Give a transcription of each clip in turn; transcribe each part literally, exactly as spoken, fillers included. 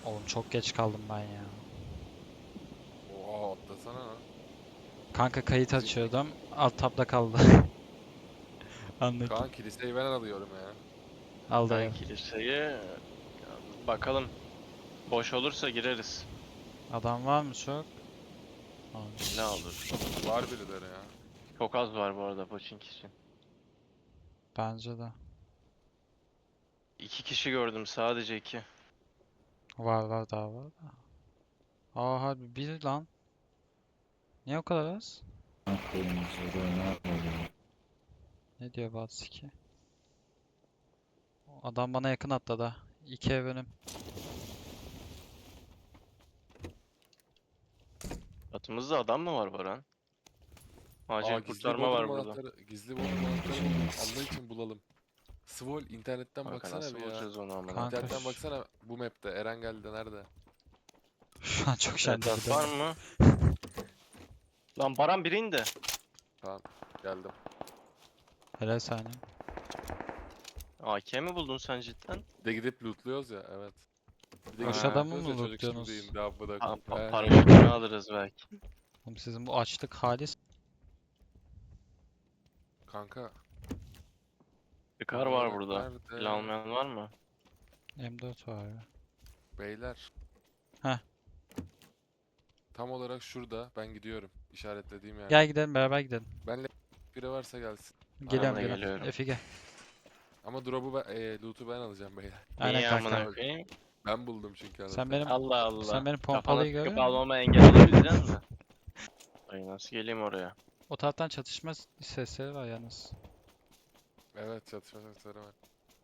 Oğlum çok geç kaldım ben ya. Oha atlasana lan. Kanka kayıt Bizim açıyordum. Alt tabda kaldı. Anlık. Kaan kiliseyi ben alıyorum ya. Al Ben dayı. kiliseye bakalım. Boş olursa gireriz. Adam var mı çok? Var. Ne olur. Var birileri ya. Çok az var bu arada Pochinki için. Bence de. İki kişi gördüm, sadece iki. Var var daha var da. Aa harbi bir lan. Niye o kadar az? Ne diyor Batsı ki? Adam bana yakın atladı. İki ev önüm. Atımızda adam mı var Baran? Acil Aa gizli kurtarma bodrum var burada. anahtarı. Gizli bodrum anahtarı buldum. Allah için bulalım. Svol internetten Kanka baksana nasıl bir ya. bulacağız onu amına? Kanka. İnternetten ş- baksana bu map'te. Eren geldi nerede? Şu an çok şenli Etraf bir var dönem. mı? Lan Baran biri indi. Tamam geldim. Helal saniye. A K mi buldun sen cidden? Bir de gidip lootluyoruz ya evet. Bir de Boş gidip adamı lootluyoruz mı ya, çocuk şimdi lootluyorsunuz? indi abla Pa pa da. paraşütünü alırız belki. Oğlum sizin bu açlık halis. Kanka. Bir kar var bunlar burada. nerede? Silah almayan var mı? M dört var ya. Beyler. Heh. Tam olarak şurada ben gidiyorum. İşaretlediğim yer. Gel gidelim beraber gidelim. Benle biri varsa gelsin. Geliyorum de geliyorum. geliyorum. Efe gel. Ama drop'u ben, e, loot'u ben alacağım beyler. Aynen Niye kanka. amına koyayım? Ben buldum çünkü anahtarı. Sen benim Allah Allah. sen benim Kafana pompalıyı sıkıp görüyor musun? almama engel olabilecek misin? Ay nasıl geleyim oraya? O taraftan çatışma s- sesleri var yalnız. Evet çatışma sesleri var.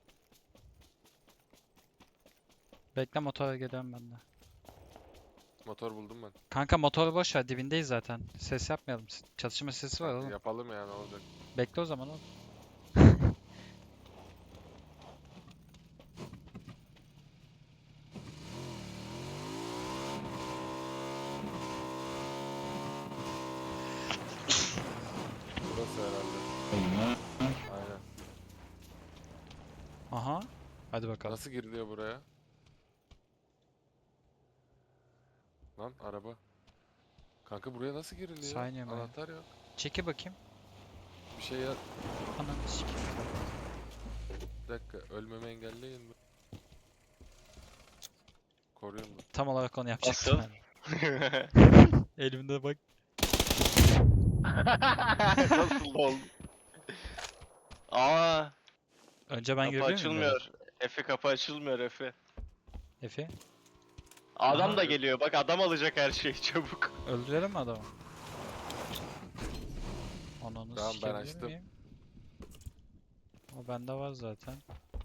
Bekle motora geliyorum ben de. Motor buldum ben. Kanka motoru boş ver dibindeyiz zaten. Ses yapmayalım. S- Çatışma sesi var Kanka oğlum. yapalım ya ne olacak. Bekle o zaman oğlum. Burası herhalde. Aynen. Aha. Hadi bakalım. Nasıl giriliyor buraya? Lan araba. Kanka buraya nasıl giriliyor? Saniye mi? Anahtar yok. Çeki bakayım. Bir şey ya. Ananı sikeyim. Bir dakika ölmemi engelleyin mi? Koruyun mu? Tam olarak onu yapacaktım Nasıl? ben. Elimde bak. Nasıl oldu? Aa, Önce ben kapı girebilir miyim? açılmıyor. Efe kapı açılmıyor Efe. Efe. Adam Aha. da geliyor. Bak adam alacak her şeyi çabuk. Öldürelim mi adamı? Ananı Tamam, ben sikebilir açtım. miyim? O bende var zaten.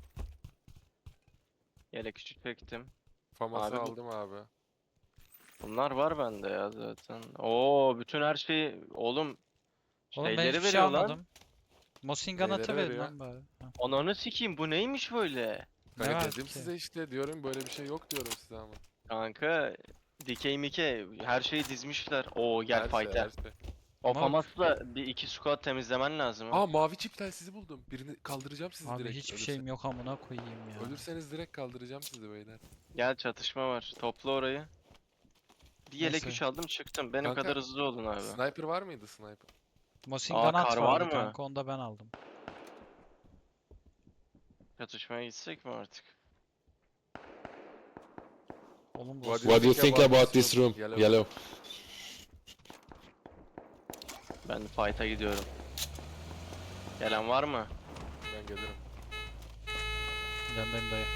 Yelek küçük çektim. Faması Abi bu- aldım abi. Bunlar var bende ya zaten. Oo, bütün her şeyi oğlum Oğlum ben şeyleri hiçbir şey veriyor lan. almadım. Mosingan Neyleri atı verin veriyor? lan bari. Ha. Ananı sikeyim, bu neymiş böyle? Ne Kanka var dedim ki? size işte diyorum böyle bir şey yok diyorum size ama. Kanka dikey mike her şeyi dizmişler. Oo gel Her şey, fight'e. her şey. O Ama- famasla bir iki squat temizlemen lazım. ha. Aa mavi çip sizi buldum. Birini kaldıracağım sizi Abi direkt. hiçbir Ölürse- şeyim yok amına koyayım ya. Ölürseniz direkt kaldıracağım sizi beyler. Gel çatışma var. Topla orayı. Bir yelek Neyse. üç aldım çıktım. Benim Kanka, kadar hızlı olun abi. Sniper var mıydı sniper? Mosingan Aa, at kar var vardı mı? kanka onu da ben aldım. Çatışmaya gitsek mi artık? Oğlum bu What What do you think about this room? Yellow. Yellow. Ben fight'a gidiyorum. Gelen var mı? Ben gelirim. yanındayım dayı.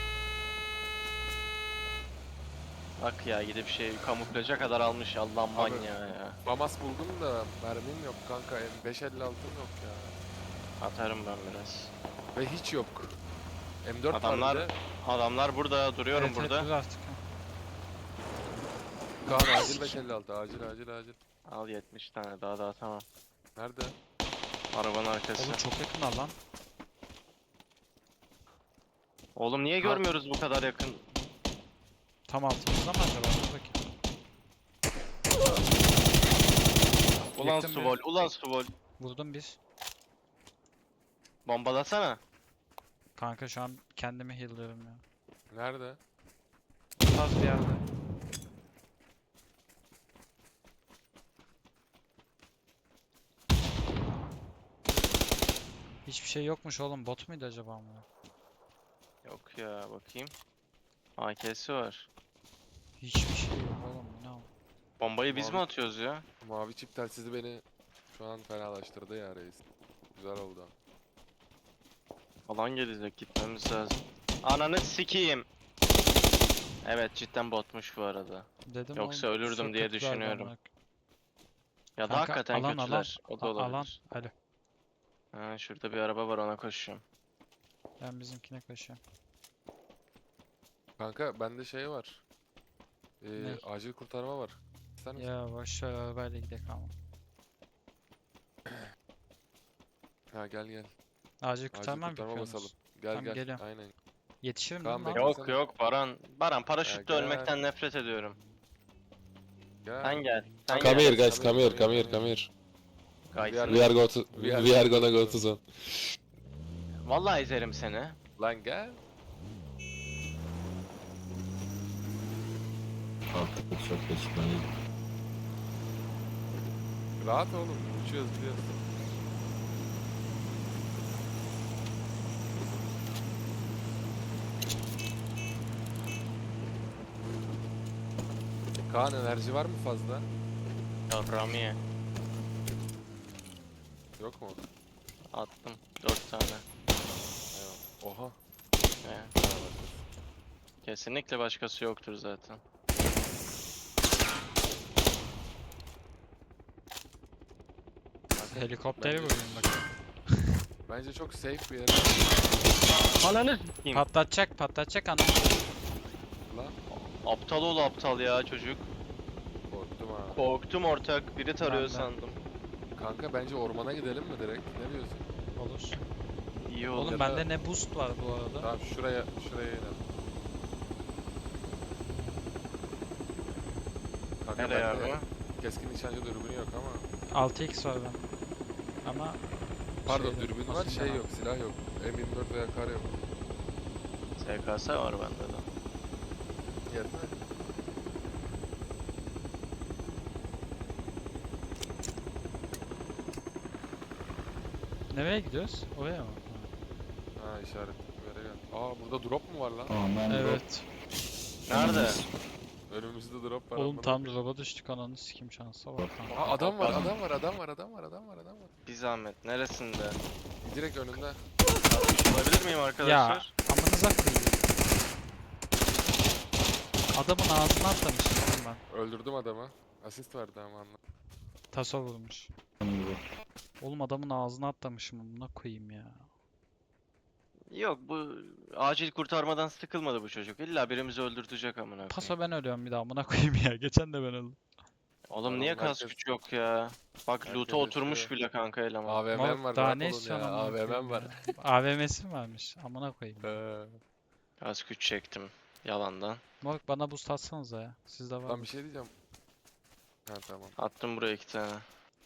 Bak ya gidip şey kamuflaja kadar almış Allah Abi- manyağı ya. Famas buldum da mermim yok kanka. beş elli altım yok ya. Atarım ben biraz. Ve hiç yok. M dört Adamlar- var bir de. Adamlar burada, duruyorum Evet, evet, burada. dur artık. ha. Kaan acil beş elli altı acil acil acil. Al yetmiş tane daha daha tamam. Nerede? Arabanın arkası. Oğlum çok yakın lan. Oğlum niye Kal- görmüyoruz bu kadar yakın? Tam altımızda mı acaba? Dur bakayım. Ulan Yakın bir- Suvol, ulan Suvol. Vurdum bir. Bombalasana. Kanka şu an kendimi heal'lıyorum ya. Nerede? Bu tarz bir yerde. Hiçbir şey yokmuş oğlum. Bot muydu acaba mı? Yok ya bakayım. A K'si var. Hiçbir şey yok oğlum. Bu ne o? Bombayı biz mi Mavi- atıyoruz ya? Mavi çip telsizi beni şu an fenalaştırdı ya reis. Güzel oldu. Alan gelecek, gitmemiz lazım. Ananı sikeyim. Evet cidden botmuş bu arada. Dedim Yoksa oğlum, ölürdüm diye söküntüler düşünüyorum. amına. Ya da Kanka, hakikaten alan, alan. kötüler. O da A- alan. olabilir. Alo. Ha, şurada bir araba var, ona koşuyorum. Ben bizimkine koşuyorum. Kanka bende şey var. Ee, Ne? acil kurtarma var. İster misin? Ya boş ver, arabayla gidelim ama. Ha gel gel. Acil Acil kurtarma mı kurtarma basalım. yapıyorsunuz? Gel Tamam, gel. geliyorum. Aynen. Yetişirim Kaan değil mi lan? bekle. Yok yok Baran. Baran paraşütle Ya ölmekten nefret ediyorum. Gel. Sen gel. Sen Come gel. here guys, come here, come here, come here. Guys, We are go to we we are gonna go to zone. Vallahi ezerim seni. Lan gel. Artık çok geçmeli. Rahat oğlum. Uçuyoruz gidiyoruz. Kaan enerji var mı fazla? Ya Rami'ye Yok mu? attım dört tane. Eyvallah. Oha. Ee, kesinlikle başkası yoktur zaten. Helikopteri Bence- vurayım bak. Bence çok safe bir yer. Ananı s**eyim. Patlatacak, patlatacak anam. Lan Aptal ol aptal ya çocuk. korktum ha. Korktum ortak. Biri tarıyor Ben de. sandım. Kanka bence ormana gidelim mi direkt? Ne diyorsun? Olur. İyi oldu. Oğlum ya bende da- ne boost var bu arada. Tamam şuraya şuraya inelim. Kanka Nereye bende abi? keskin nişancı dürbünü yok ama. altı x var ben. Ama Pardon şeyde, dürbün var basınca şey var. yok silah yok. M yirmi dört veya kar yok. S K S var bende de. Yetmez. Nereye gidiyoruz? Oraya mı? Ha işaret bir yere gel. Aa burada drop mu var lan? Aman drop. Evet. Nerede? Önümüzde drop var. Oğlum amına tam koyayım. drop'a düştük, ananı sikim şansa bak. kanka. Aa adam var Adam. adam var adam var adam var adam var adam var. Bir zahmet. Neresinde? Direkt önünde. Atmış olabilir miyim arkadaşlar? Amanıza koyayım. Adamın ağzına atlamışım oğlum ben. Öldürdüm adamı. Asist verdi ama anla. Taso vurmuş. gibi. Oğlum adamın ağzına atlamışım, amına koyayım ya. Yok bu acil kurtarmadan sıkılmadı bu çocuk. İlla birimizi öldürtecek amına koyayım. Paso ben ölüyorum bir daha, amına koyayım ya. Geçen de ben öldüm. Oğlum niye Adam kas herkes- güç yok ya? Bak herkes loot'a oturmuş yaşıyor. bile kanka eleman. A V M'm Moruk, var daha rahat ne olun istiyorsun ya. amına A V M'm koyayım var. ya? A V M'si mi varmış? Amına koyayım. ya. Ee, Kas güç çektim yalandan. Moruk bana boost atsanıza ya. Sizde var Lan mı? bir şey diyeceğim. Ha tamam. Attım buraya iki tane.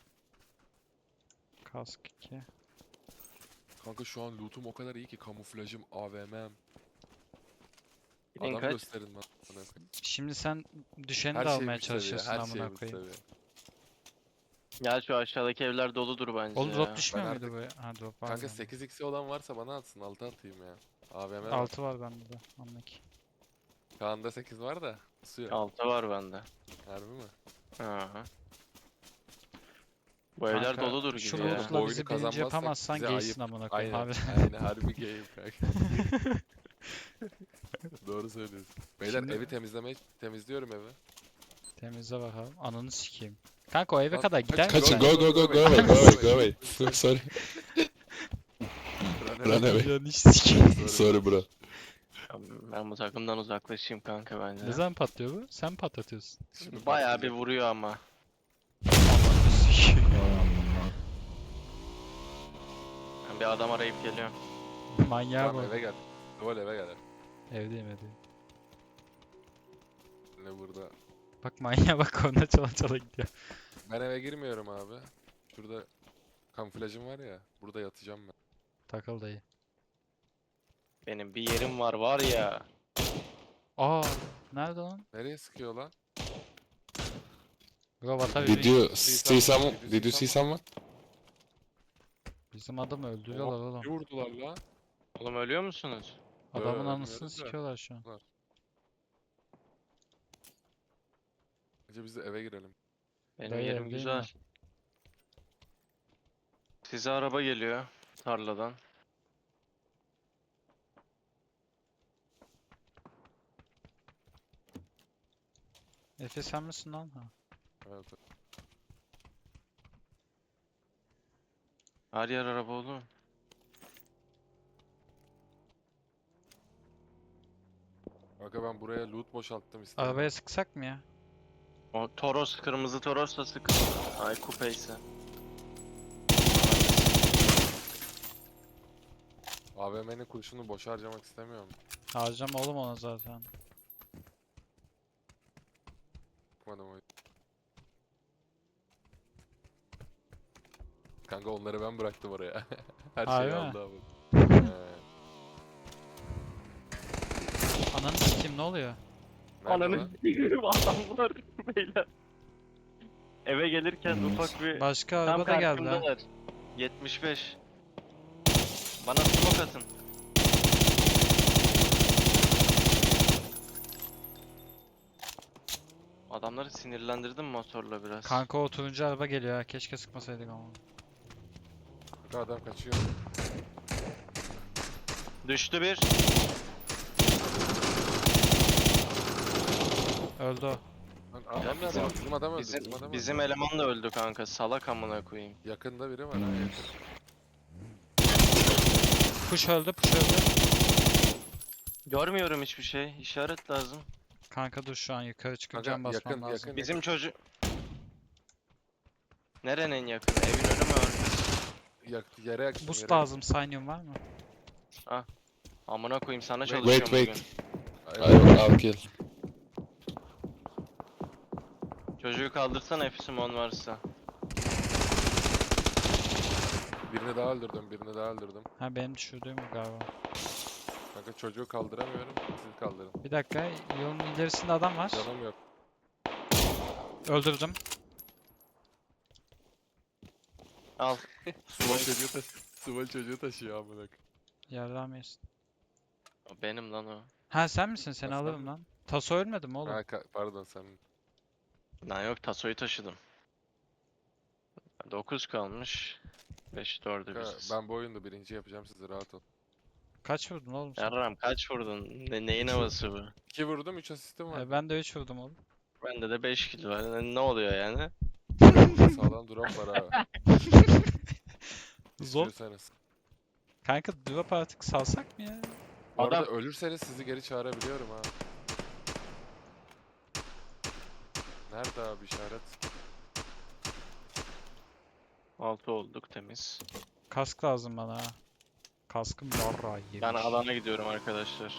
Kask iki. Kanka şu an lootum o kadar iyi ki kamuflajım, A V M'm. Bilin Adam kaç? gösterin bana. Şimdi sen düşeni Her de şey almaya bu seviye, çalışıyorsun her şey amına bu koyayım. seviye. Gel şu aşağıdaki evler doludur bence Oğlum ya. drop düşmüyor Ben muydu bu? Ha drop var. Kanka sekiz x'i olan varsa bana atsın, altı atayım ya. A V M var. altı var bende de. Anlaki. Kaan'da sekiz var da. Suya. Altı var bende. Harbi mi? Aha. Bu evler Kanka, doludur şu gibi ya. lootla Bu oyunu bizi birinci kazanmazsak yapamazsan bize gaysin ayıp. amına koyayım Aynen. abi. Aynen harbi game kanka. Doğru söylüyorsun. Beyler Şimdi- evi temizlemeye temizliyorum evi. Temizle bakalım. Ananı sikeyim. Kanka o eve Lan, kadar kaç- gider kaç- misin? go, go, go, go away, go away, go away. Sorry. Run away. Canı sikeyim. Sorry bro. Ben bu takımdan uzaklaşayım kanka bence. Ne zaman patlıyor bu? Sen patlatıyorsun. Şimdi Bayağı bir patlayacak. vuruyor ama. Ananı sikeyim. Aman. Ben bir adam arayıp geliyorum. Manyağa Tamam bak. eve gel. Duval eve gel. Evdeyim evdeyim. Ne burada? Bak manyağa bak, ona çala çala gidiyor. Ben eve girmiyorum abi. Şurada kamuflajım var ya. Burada yatacağım ben. Takıl dayı. Benim bir yerim var var ya. Aa, nerede lan? Nereye sıkıyor lan? Bro what are Did you you doing? see someone? Did you see someone? Bizim adamı öldürüyorlar Oha, bir oğlum. vurdular lan. Oğlum ölüyor musunuz? Adamın ölmüyoruz anısını da. sikiyorlar şu an. Önce biz de eve girelim. Benim Dayı yerim evdeyim güzel. Size araba geliyor tarladan. Efe sen misin lan? Ha. Evet. Her yer araba oğlum. Aga ben buraya loot boşalttım istedim. Arabaya sıksak mı ya? O Toros, kırmızı Toros da sıkın. Ay kupeyse. A V M'nin kurşunu boş harcamak istemiyorum. Harcama oğlum ona zaten. Bakmadım o. Kanka onları ben bıraktım oraya. Her Harbi şeyi mi? aldı abi. Ee, Ananı sikeyim ne oluyor? nerede Ananı lan? s**eyim adamlar beyler. Eve gelirken Hmm. ufak bir Başka tam araba da geldi ha. karşımdalar. yetmiş beş. Bana smoke atın. Adamları sinirlendirdim motorla biraz. Kanka o turuncu araba geliyor ha. Keşke sıkmasaydık ama. Kanka adam kaçıyor. Düştü bir. Öldü o. Lan adam bizim- nerede? Bizim adam öldü. Bizim, Bizim adam bizim öldü. eleman da öldü kanka. Salak amına koyayım. Yakında biri var ha. Nice. yakın. Push öldü, push öldü. Görmüyorum hiçbir şey. İşaret lazım. Kanka dur şu an yukarı çıkıp Kanka, cam basmam yakın, lazım. yakın. Bizim çocuk... Nerenin yakın? Evin önü mü arkası? Yak, yere yaksın. Boost yere lazım, Sinium var mı? Amına koyayım sana Wait, çalışıyorum wait. bugün. yaksın. I will, I'll kill. Çocuğu kaldırsana Efsimon varsa. Birini daha öldürdüm, birini daha öldürdüm. Ha benim düşürdüğüm bu galiba. Kanka çocuğu kaldıramıyorum, siz kaldırın. Bir dakika, yolun ilerisinde adam var. Canım yok. Öldürdüm. Al. Sıvalı çocuğu taşı Sıvalı çocuğu taşıyor amına koyayım. Yardım yesin. O benim lan o. Ha sen misin? Seni Aslan alırım mı? lan. Taso ölmedi mi oğlum? Ha, ka- pardon sen. Lan yok tasoyu taşıdım. dokuz kalmış. beş dördü Kanka, biziz. ben bu oyunda birinci yapacağım sizi rahat ol. Kaç vurdun oğlum sen? Yarram kaç vurdun? Ne, neyin havası bu? iki vurdum, üç asistim var. E, ben de üç vurdum oğlum. Bende de beş kill var. Ne, ne oluyor yani? Sağlam drop var ha. Zor. İstiyorsanız. Kanka drop artık salsak mı ya? Bu arada Adam- ölürseniz sizi geri çağırabiliyorum ha. Nerede abi işaret? altı olduk temiz. Kask lazım bana ha. Kaskım yarra yemiş. Ben alana gidiyorum arkadaşlar.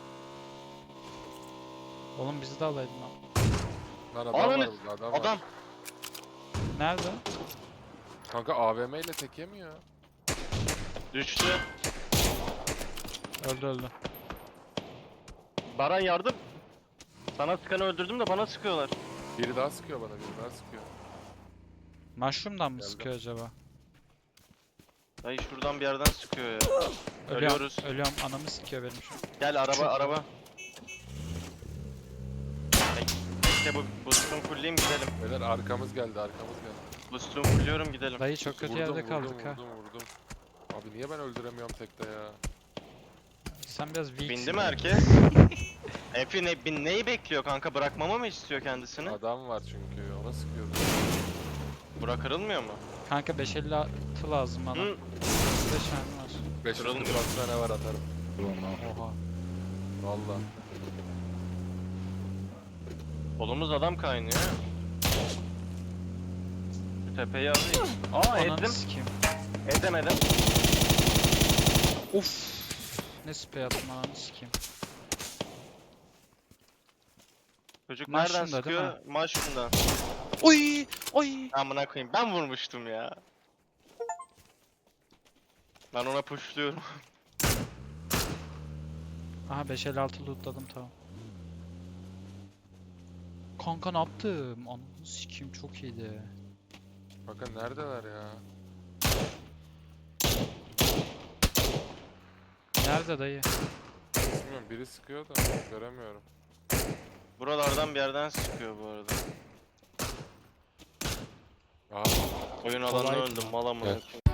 Oğlum bizi de alaydın lan. Lan adam Ananı- var burada, adam, var. Adam! Nerede? Kanka A V M ile tek yemiyor. Düştü. Öldü öldü. Baran yardım. Sana sıkanı öldürdüm de bana sıkıyorlar. Biri daha sıkıyor bana, biri daha sıkıyor. Mushroom'dan mı Geldim. sıkıyor acaba? Dayı şuradan bir yerden sıkıyor ya. Ölüyorum, Ölüyoruz. ölüyorum. Anamı sikiyor benim şu an. Gel araba Çok- araba. İşte bu boost'umu fullleyeyim gidelim. Beyler arkamız geldi, arkamız geldi. Boost'umu fulluyorum gidelim. Dayı çok kötü Vurdum, yerde vurdum, kaldık ha. vurdum, vurdum. Abi niye ben öldüremiyorum tekte ya? Sen biraz weaksin. Bindi mi herkes? Efi ne, bin, neyi bekliyor kanka? Bırakmamı mı istiyor kendisini? Adam var çünkü, ona sıkıyordu. Bura kırılmıyor mu? Kanka beş elli altı lazım bana. Hı. beş tane var. beş yüz Kırılmıyor. kırk tane var atarım. Oha. Valla. Kolumuz adam kaynıyor. Şu tepeyi alayım. Aa Ananı ettim. sikeyim. Edemedim. Uf. Ne sprey attım ananı sikeyim. Çocuk Mushroom'da nereden değil mi? sıkıyor? Mushroom'dan. Oy! Oy! Amına koyayım. Ben vurmuştum ya. Ben ona pushluyorum. Aha beş elli altı lootladım tamam. Kanka ne yaptım? Ananı sikeyim çok iyiydi. Bakın neredeler ya? Nerede dayı? Bilmiyorum, biri sıkıyor da göremiyorum. Buralardan bir yerden sıkıyor bu arada. Aa, Oyun Kolay alanına mı? öldüm mal amına Evet. koyayım.